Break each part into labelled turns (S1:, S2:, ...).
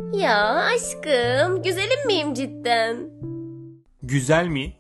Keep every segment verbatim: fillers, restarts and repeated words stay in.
S1: Ya aşkım, güzelim miyim cidden?
S2: Güzel mi?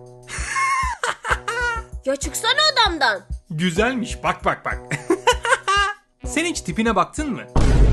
S1: Ya çıksana odamdan.
S2: Güzelmiş, bak bak bak. Sen hiç tipine baktın mı?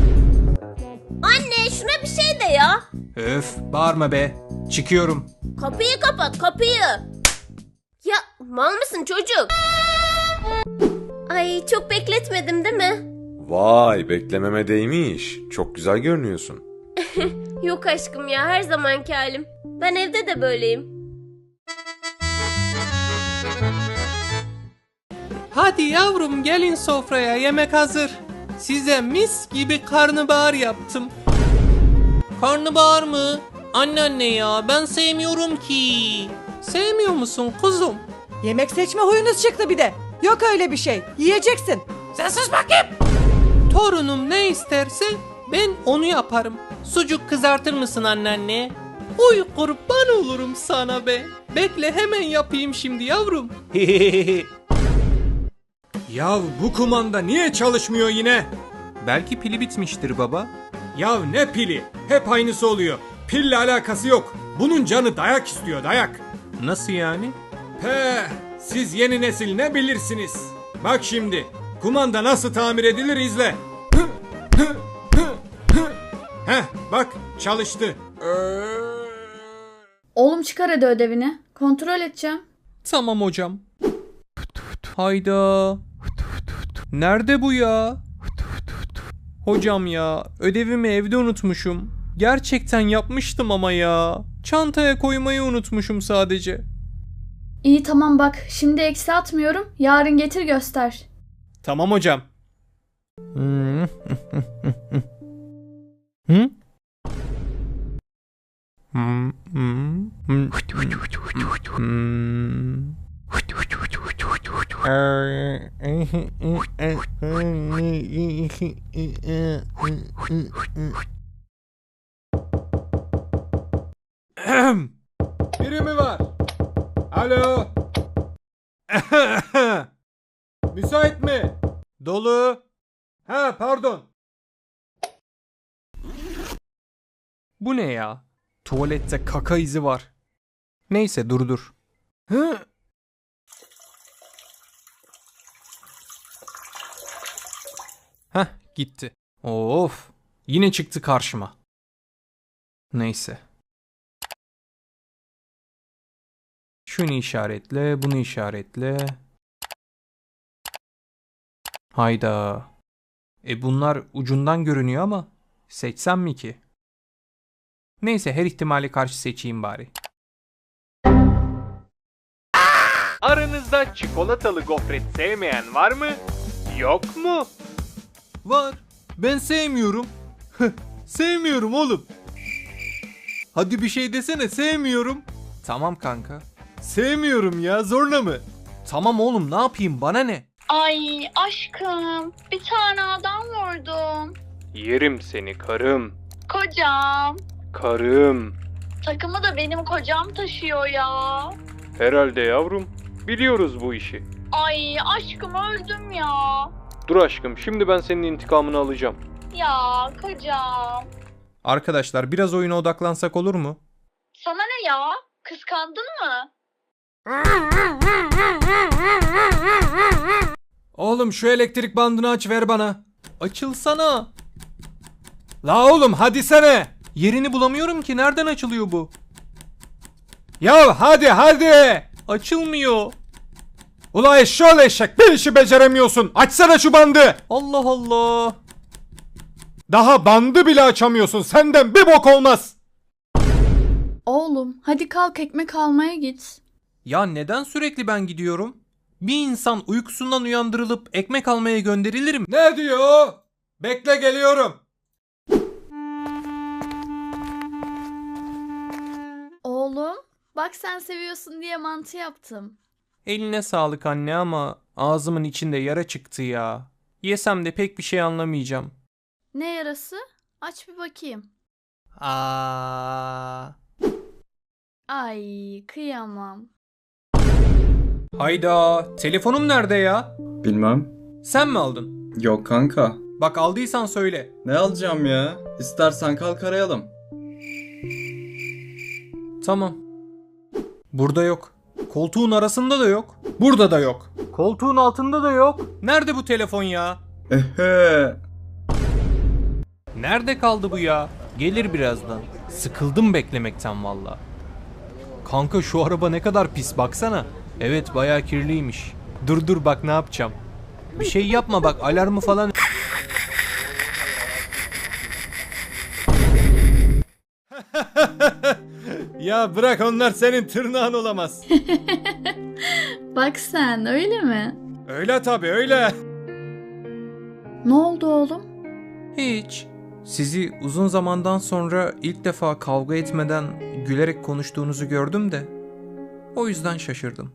S1: Anne şuna bir şey de ya.
S2: Öf, bağırma be. Çıkıyorum.
S1: Kapıyı kapat, kapıyı. Ya mal mısın çocuk? Ay çok bekletmedim değil mi?
S3: Vay, beklememe değmiş. Çok güzel görünüyorsun.
S1: Yok aşkım ya, her zamanki halim. Ben evde de böyleyim.
S4: Hadi yavrum gelin sofraya, yemek hazır. Size mis gibi karnabahar yaptım. Karnabahar mı? Anneanne ya ben sevmiyorum ki. Sevmiyor musun kuzum?
S5: Yemek seçme huyunuz çıktı bir de. Yok öyle bir şey. Yiyeceksin.
S4: Sen sus bakayım. Torunum ne isterse ben onu yaparım. Sucuk kızartır mısın anneanne? Uy kurban olurum sana be. Bekle hemen yapayım şimdi yavrum.
S2: Ya bu kumanda niye çalışmıyor yine?
S4: Belki pili bitmiştir baba.
S2: Ya ne pili? Hep aynısı oluyor. Pille alakası yok. Bunun canı dayak istiyor, dayak.
S4: Nasıl yani?
S2: He, siz yeni nesil ne bilirsiniz? Bak şimdi, kumanda nasıl tamir edilir izle. Heh, bak çalıştı.
S6: Oğlum çıkar hadi ödevini. Kontrol edeceğim.
S4: Tamam hocam. Hayda. Nerede bu ya? Hocam ya, ödevimi evde unutmuşum. Gerçekten yapmıştım ama ya. Çantaya koymayı unutmuşum sadece.
S6: İyi tamam bak. Şimdi eksi atmıyorum. Yarın getir göster.
S4: Tamam hocam. Hı? Hı? Hmm, hmm, hmm, hmm.
S2: Biri mi var? Alo? Müsait mi?
S4: Dolu.
S2: Ha pardon.
S4: Bu ne ya? Tuvalette kaka izi var. Neyse dur dur.
S2: Hı?
S4: Heh gitti. Of. Yine çıktı karşıma. Neyse. Şunu işaretle, bunu işaretle. Hayda. E bunlar ucundan görünüyor ama seçsem mi ki? Neyse her ihtimale karşı seçeyim bari. Aranızda çikolatalı gofret sevmeyen var mı? Yok mu?
S2: Var. Ben sevmiyorum. Sevmiyorum oğlum. Hadi bir şey desene, sevmiyorum.
S4: Tamam kanka.
S2: Sevmiyorum ya, zorla mı?
S4: Tamam oğlum ne yapayım bana ne?
S7: Ay aşkım bir tane adam vurdum.
S4: Yerim seni karım.
S7: Kocam.
S4: Karım.
S7: Takımı da benim kocam taşıyor ya.
S4: Herhalde yavrum. Biliyoruz bu işi.
S7: Ay aşkım öldüm ya.
S4: Dur aşkım şimdi ben senin intikamını alacağım.
S7: Ya kocam.
S4: Arkadaşlar biraz oyuna odaklansak olur mu?
S7: Sana ne ya? Kıskandın mı?
S2: Oğlum şu elektrik bandını aç, ver bana.
S4: Açılsana.
S2: La oğlum hadi sene.
S4: Yerini bulamıyorum ki nereden açılıyor bu?
S2: Ya hadi hadi.
S4: Açılmıyor.
S2: Ula eşşoğlu eşek, bir işi beceremiyorsun. Açsana şu bandı.
S4: Allah Allah.
S2: Daha bandı bile açamıyorsun. Senden bir bok olmaz.
S6: Oğlum hadi kalk ekmek almaya git.
S4: Ya neden sürekli ben gidiyorum? Bir insan uykusundan uyandırılıp ekmek almaya gönderilir mi?
S2: Ne diyor? Bekle geliyorum.
S6: Oğlum bak sen seviyorsun diye mantı yaptım.
S4: Eline sağlık anne ama ağzımın içinde yara çıktı ya. Yesem de pek bir şey anlamayacağım.
S6: Ne yarası? Aç bir bakayım.
S4: Aa.
S6: Ay kıyamam.
S4: Hayda, telefonum nerede ya?
S8: Bilmem.
S4: Sen mi aldın?
S8: Yok kanka.
S4: Bak aldıysan söyle.
S8: Ne alacağım ya? İstersen kalk arayalım.
S4: Tamam. Burada yok. Koltuğun arasında da yok. Burada da yok. Koltuğun altında da yok. Nerede bu telefon ya?
S8: Ehe.
S4: Nerede kaldı bu ya? Gelir birazdan. Sıkıldım beklemekten valla. Kanka şu araba ne kadar pis baksana. Evet bayağı kirliymiş. Dur dur bak ne yapacağım. Bir şey yapma bak alarmı falan.
S2: Ya bırak, onlar senin tırnağın olamaz.
S6: Bak sen öyle mi?
S2: Öyle tabii, öyle.
S6: Ne oldu oğlum?
S4: Hiç. Sizi uzun zamandan sonra ilk defa kavga etmeden gülerek konuştuğunuzu gördüm de o yüzden şaşırdım.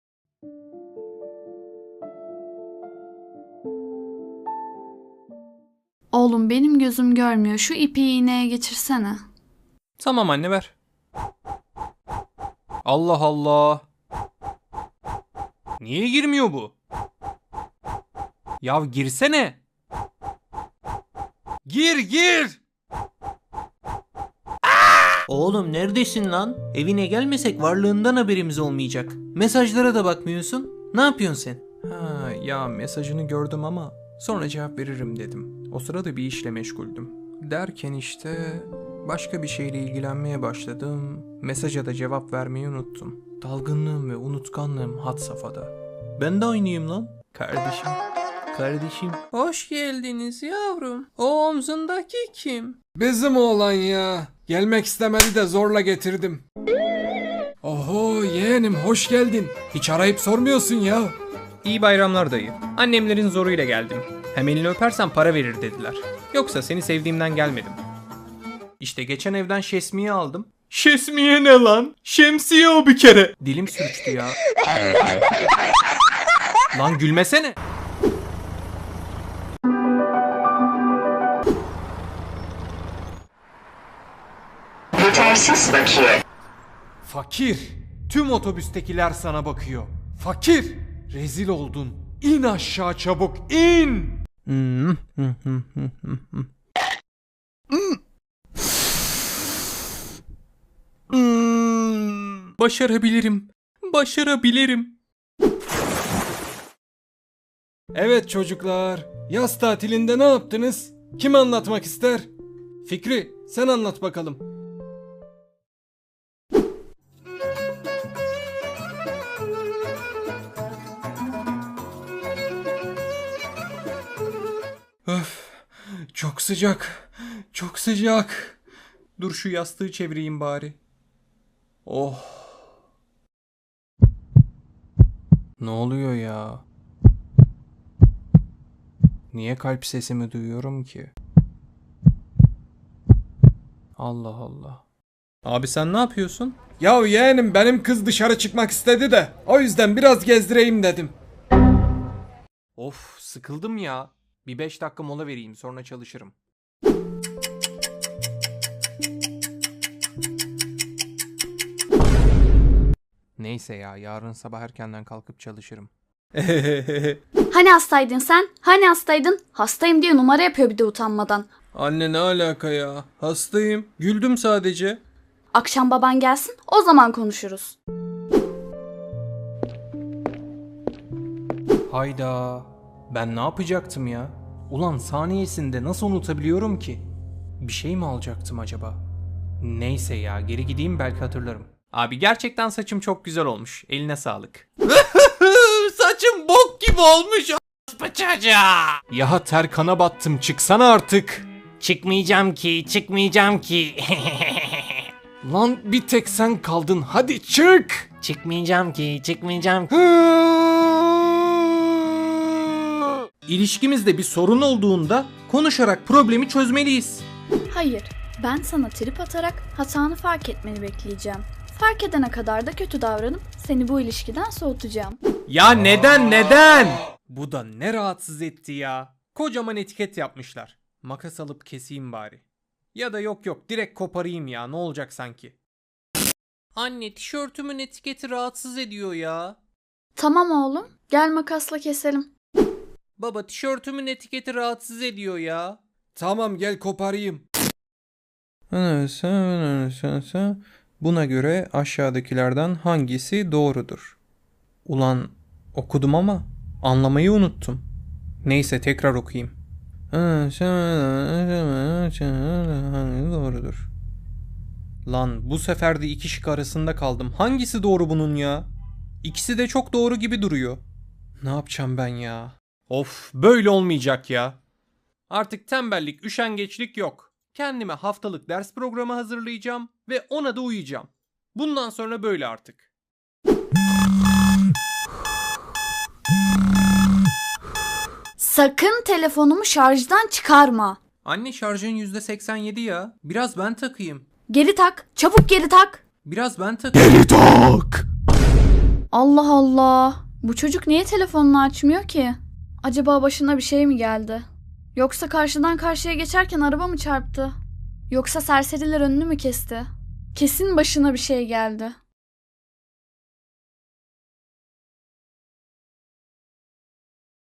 S6: Oğlum benim gözüm görmüyor. Şu ipi iğneye geçirsene.
S4: Tamam anne ver. Allah Allah. Niye girmiyor bu? Ya girsene. Gir gir. Oğlum neredesin lan? Evine gelmesek varlığından haberimiz olmayacak. Mesajlara da bakmıyorsun. Ne yapıyorsun sen? Ha ya mesajını gördüm ama sonra cevap veririm dedim. O sırada bir işle meşguldüm. Derken işte başka bir şeyle ilgilenmeye başladım. Mesaja da cevap vermeyi unuttum. Dalgınlığım ve unutkanlığım had safhada. Ben de aynıyım lan. Kardeşim. Kardeşim. Hoş geldiniz yavrum. O omzundaki kim?
S2: Bizim oğlan ya. Gelmek istemedi de zorla getirdim. Oho yeğenim, hoş geldin. Hiç arayıp sormuyorsun ya.
S4: İyi bayramlar dayı. Annemlerin zoruyla geldim. Hem elini öpersen para verir dediler. Yoksa seni sevdiğimden gelmedim. İşte geçen evden şesmiye aldım. Şesmiye ne lan? Şemsiye o bir kere. Dilim sürçtü ya. Lan gülmesene.
S9: Yetersiz bakiye.
S2: Fakir. Tüm otobüstekiler sana bakıyor. Fakir. Rezil oldun. İn aşağı çabuk, in.
S4: Başarabilirim. Başarabilirim.
S2: Evet çocuklar. Yaz tatilinde ne yaptınız? Kim anlatmak ister? Fikri, sen anlat bakalım. Öf, çok sıcak, çok sıcak.
S4: Dur şu yastığı çevireyim bari. Oh. Ne oluyor ya? Niye kalp sesimi duyuyorum ki? Allah Allah. Abi sen ne yapıyorsun?
S2: Ya yeğenim, benim kız dışarı çıkmak istedi de o yüzden biraz gezdireyim dedim.
S4: Of sıkıldım ya. Bir beş dakika mola vereyim sonra çalışırım. Neyse ya yarın sabah erkenden kalkıp çalışırım.
S6: Hani hastaydın sen? Hani hastaydın? Hastayım diye numara yapıyor bir de utanmadan.
S4: Anne ne alaka ya? Hastayım. Güldüm sadece.
S6: Akşam baban gelsin, o zaman konuşuruz.
S4: Hayda. Ben ne yapacaktım ya? Ulan saniyesinde nasıl unutabiliyorum ki? Bir şey mi alacaktım acaba? Neyse ya geri gideyim belki hatırlarım. Abi gerçekten saçım çok güzel olmuş. Eline sağlık. Saçım bok gibi olmuş. Ya ter kana battım, çıksana artık.
S10: Çıkmayacağım ki, çıkmayacağım ki.
S2: Lan bir tek sen kaldın, hadi çık.
S10: Çıkmayacağım ki, çıkmayacağım ki.
S4: İlişkimizde bir sorun olduğunda konuşarak problemi çözmeliyiz.
S6: Hayır, ben sana trip atarak hatanı fark etmeni bekleyeceğim. Fark edene kadar da kötü davranıp seni bu ilişkiden soğutacağım.
S4: Ya neden neden? Bu da ne rahatsız etti ya. Kocaman etiket yapmışlar. Makas alıp keseyim bari. Ya da yok yok direkt koparayım ya, ne olacak sanki. Anne tişörtümün etiketi rahatsız ediyor ya.
S6: Tamam oğlum, gel makasla keselim.
S4: Baba tişörtümün etiketi rahatsız ediyor ya.
S2: Tamam gel koparayım.
S9: Buna göre aşağıdakilerden hangisi doğrudur? Ulan okudum ama anlamayı unuttum. Neyse tekrar okuyayım. Doğrudur. Lan bu sefer de iki şık arasında kaldım. Hangisi doğru bunun ya? İkisi de çok doğru gibi duruyor. Ne yapacağım ben ya? Of, böyle olmayacak ya. Artık tembellik, üşengeçlik yok. Kendime haftalık ders programı hazırlayacağım ve ona da uyuyacağım. Bundan sonra böyle artık.
S6: Sakın telefonumu şarjdan çıkarma.
S4: Anne şarjın yüzde seksen yedi ya. Biraz ben takayım.
S6: Geri tak. Çabuk geri tak.
S4: Biraz ben takayım.
S6: Allah Allah. Bu çocuk niye telefonunu açmıyor ki? Acaba başına bir şey mi geldi? Yoksa karşıdan karşıya geçerken araba mı çarptı? Yoksa serseriler önünü mü kesti? Kesin başına bir şey geldi.